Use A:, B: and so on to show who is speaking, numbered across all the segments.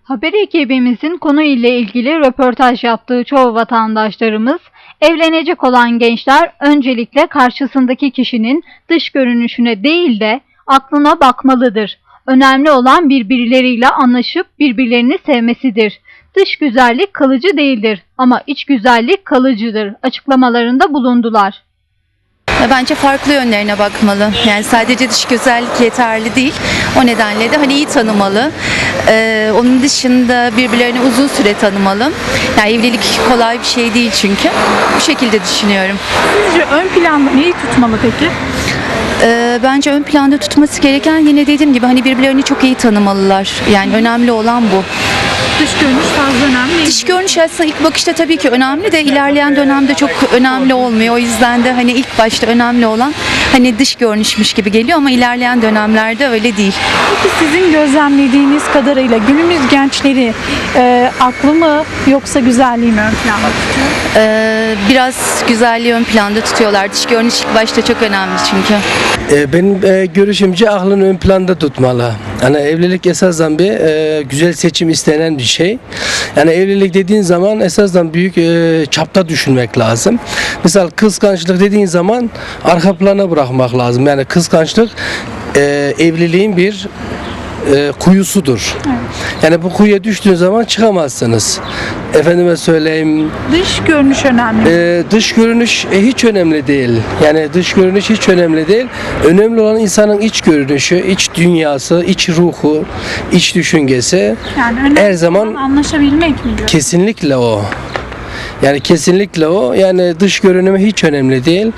A: Haber ekibimizin konu ile ilgili röportaj yaptığı çoğu vatandaşlarımız, evlenecek olan gençler öncelikle karşısındaki kişinin dış görünüşüne değil de aklına bakmalıdır. Önemli olan birbirleriyle anlaşıp birbirlerini sevmesidir. Dış güzellik kalıcı değildir ama iç güzellik kalıcıdır açıklamalarında bulundular.
B: Bence farklı yönlerine bakmalı. Yani sadece dış güzellik yeterli değil. O nedenle de hani iyi tanımalı. Onun dışında birbirlerini uzun süre tanımalı. Yani evlilik kolay bir şey değil çünkü. Bu şekilde düşünüyorum.
C: Sizce ön planda neyi tutmalı peki?
B: Bence ön planda tutması gereken, yine dediğim gibi, hani birbirlerini çok iyi tanımalılar. Yani önemli olan bu.
C: Dış görünüş fazla önemli değil.
B: Dış görünüş aslında ilk bakışta tabii ki önemli de ilerleyen dönemde çok önemli olmuyor. O yüzden de hani ilk başta önemli olan hani dış görünüşmüş gibi geliyor ama ilerleyen dönemlerde öyle değil.
C: Peki sizin gözlemlediğiniz kadarıyla günümüz gençleri aklı mı yoksa güzelliği mi ön planda tutuyor?
B: Biraz güzelliği ön planda tutuyorlar. Dış görünüş ilk başta çok önemli çünkü.
D: Benim görüşümce aklını ön planda tutmalı. Yani evlilik esasen bir güzel seçim istenen bir şey. Yani evlilik dediğin zaman esasen büyük çapta düşünmek lazım. Mesela kıskançlık dediğin zaman arka plana bırakmak lazım. Yani kıskançlık evliliğin bir kuyusudur.
C: Evet.
D: Yani bu kuyuya düştüğün zaman çıkamazsınız. Efendime söyleyeyim.
C: Dış görünüş önemli.
D: Dış görünüş hiç önemli değil. Yani dış görünüş hiç önemli değil. Önemli olan insanın iç görünüşü, iç dünyası, iç ruhu, iç düşüncesi.
C: Yani önemli
D: her zaman
C: olan anlaşabilmek mi diyor?
D: kesinlikle o. Yani kesinlikle o. Yani dış görünümü hiç önemli değil.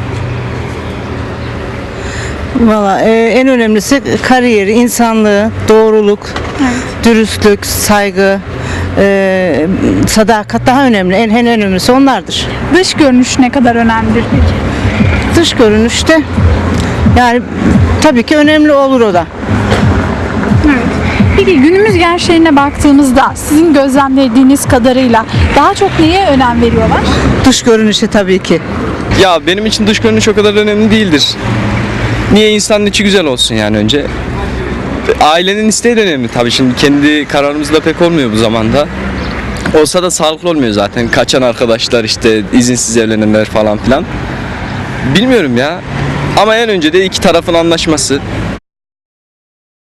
E: Valla en önemlisi kariyeri, insanlığı, doğruluk, dürüstlük, saygı, sadakat daha önemli. En önemlisi onlardır.
C: Dış görünüş ne kadar önemlidir peki?
E: Dış görünüşte yani tabii ki önemli olur o da.
C: Evet. Peki günümüz gençlerine baktığımızda sizin gözlemlediğiniz kadarıyla daha çok neye önem veriyorlar?
E: Dış görünüşe tabii ki.
F: Ya benim için dış görünüş o kadar önemli değildir. Niye? İnsanın içi güzel olsun yani önce. Ailenin isteği de önemli tabii, şimdi kendi kararımızda pek olmuyor bu zamanda. Olsa da sağlıklı olmuyor zaten. Kaçan arkadaşlar, işte izinsiz evlenenler falan filan. Bilmiyorum ya. Ama en önce de iki tarafın anlaşması.